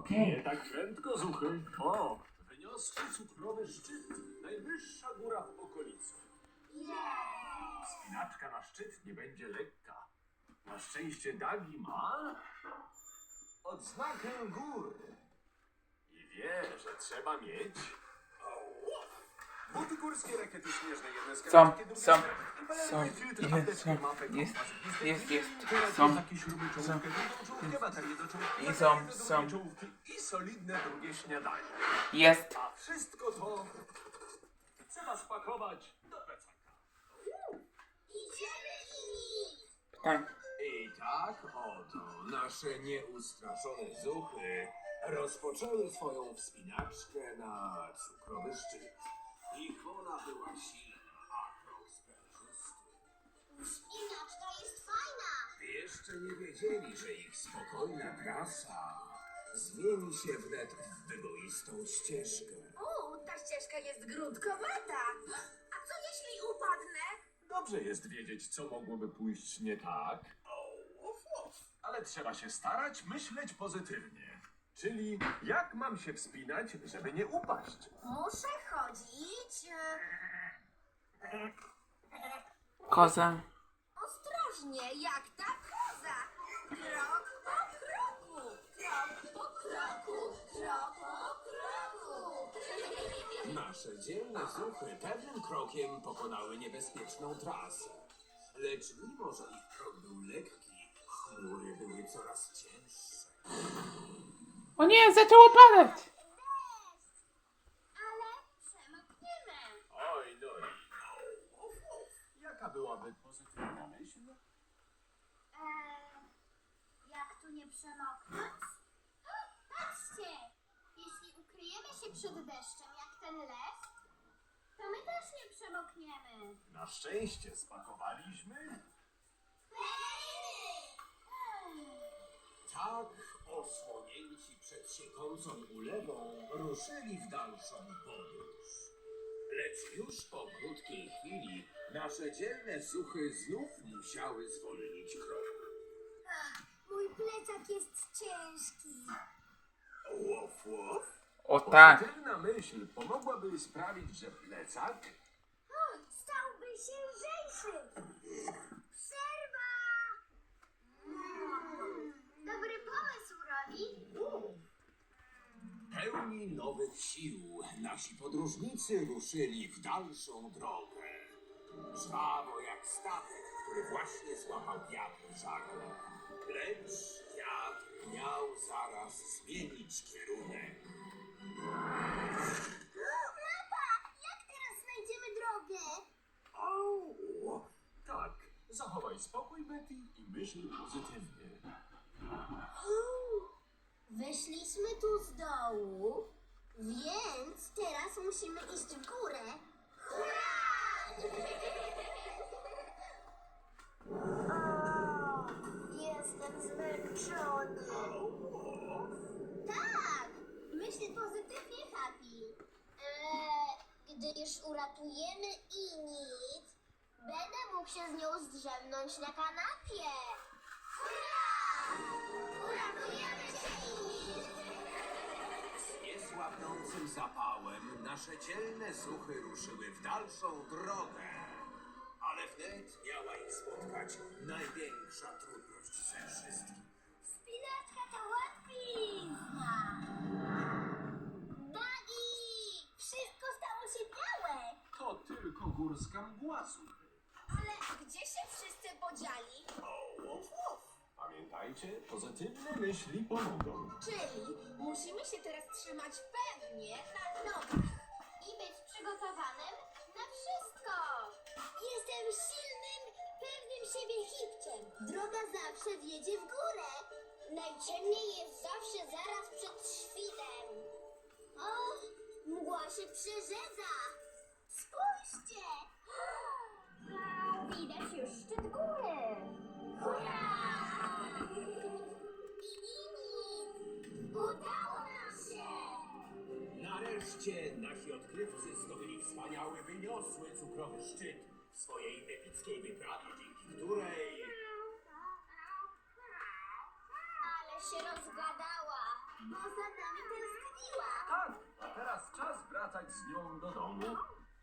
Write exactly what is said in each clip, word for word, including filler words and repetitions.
Okej. Nie tak prędko, Zuchy. O, wyniosły cukrowy szczyt. Najwyższa góra w okolicy. Wspinaczka na szczyt nie będzie lekka. Na szczęście Dagi ma odznakę góry. I wie, że trzeba mieć buty górskie, rakiety śnieżne, jedne z Są, karabinki, drugie są, z- i są, filtr, jest, apteczkę, są, mapę, jest, kompas, gwizdek, jest, jest, teraz są, takie śruby, czołówkę, drugą czołówkę, baterię do czołówki, I są, baterię do są. drugiej czołówki i solidne drugie śniadanie. jest. A wszystko to trzeba spakować do plecaka. Tak. I tak oto nasze nieustraszone zuchy rozpoczęły swoją wspinaczkę na cukrowy szczyt. Ich wola była silna, a krok sprężysty. Wspinaczka jest fajna. Jeszcze nie wiedzieli, że ich spokojna trasa zmieni się wnet w wyboistą ścieżkę. O, ta ścieżka jest grudkowata. A co jeśli upadnę? Dobrze jest wiedzieć, co mogłoby pójść nie tak. Ale trzeba się starać myśleć pozytywnie. Czyli jak mam się wspinać, żeby nie upaść? Muszę chodzić e, Koza. ostrożnie, jak ta koza. Krok po kroku, krok po kroku, krok po kroku. Nasze dzielne zuchy pewnym krokiem pokonały niebezpieczną trasę. Lecz mimo, że ich krok był lekki, chmury były coraz cięższe. O nie, zaczęło padać. Ale przemkniemy. Oj, no i no. Jaka byłaby pozytywna myśl? Eee, jak tu nie przemoknąć? Patrzcie! Jeśli ukryjemy się przed deszczem jak ten les, to my też nie przemokniemy. Na szczęście spakowaliśmy. Tak osłonięci przed siekącą ulewą ruszyli w dalszą podróż. Lecz już po krótkiej chwili nasze dzielne zuchy znów musiały zwolnić krok. Mój plecak jest ciężki. Łof, łof. O tak. Pozytywna myśl pomogłaby sprawić, że plecak O, stałby się lżejszy. Przerwa! Mm, dobry pomysł, Roli. pełni nowych sił nasi podróżnicy ruszyli w dalszą drogę. Żwawo jak statek, który właśnie złapał wiatr w żagle. Lecz wiatr miał zaraz zmienić kierunek. Mapa! Jak teraz znajdziemy drogę? Au! Tak, zachowaj spokój, Betty, i myśl pozytywnie. Wyszliśmy tu z dołu, więc teraz musimy iść w górę. Hurra! O, jestem zmęczony. Tak, myśl pozytywnie, Happy. Eee, gdy już uratujemy Init, będę mógł się z nią zdrzemnąć na kanapie. Hurra! Uratujemy cię, Init! Z niesłabnącym zapałem nasze dzielne zuchy ruszyły w dalszą drogę. Ale wnet miała ich spotkać największa trudność ze wszystkich. Spinaczka to łatwizna! Dagi! Wszystko stało się białe! To tylko górska mgła, zuchy. Ale gdzie się wszyscy podzieli? O, łof, łof. Pamiętajcie, pozytywne myśli pomogą. Czyli musimy się teraz trzymać pewnie na nogach i być przygotowanym na wszystko. Jestem silnym, pewnym siebie hipciem. Droga zawsze wiedzie w górę. Najciemniej jest zawsze zaraz przed świtem. O, mgła się przerzedza. Spójrzcie! Widać już szczyt góry. Hurra! Udało nam się! Nareszcie nasi odkrywcy zdobyli wspaniały, wyniosły cukrowy szczyt w swojej epickiej wyprawie, dzięki której... Ale się rozgadała, bo za nami tęskniła. Tak, a teraz czas wracać z nią do domu.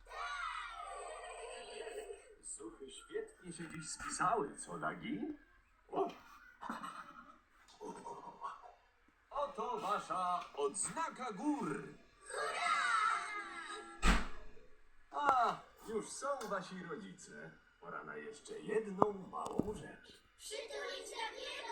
Suchy świetnie się dziś spisały, co Nagi? O! Oto wasza odznaka gór. A, już są wasi rodzice. Pora na jeszcze jedną małą rzecz. Przytulić Dagiego!